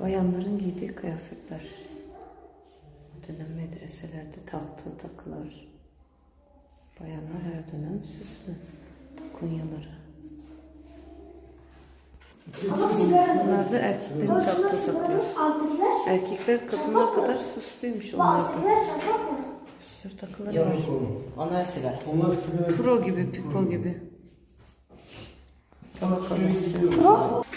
Bayanların giydiği kıyafetler. O dönem medreselerde taktığı takılar. Bayanlar her dönem süslü. Takunyaları. Bunlar da erkeklerin taktığı takılar. Erkekler kadınlar kadar süslüymüş onlar da. Bir sürü takıları var. Onlar sigara. Onlar sigara. Pro gibi, pipo gibi. Tabakalı. Pro?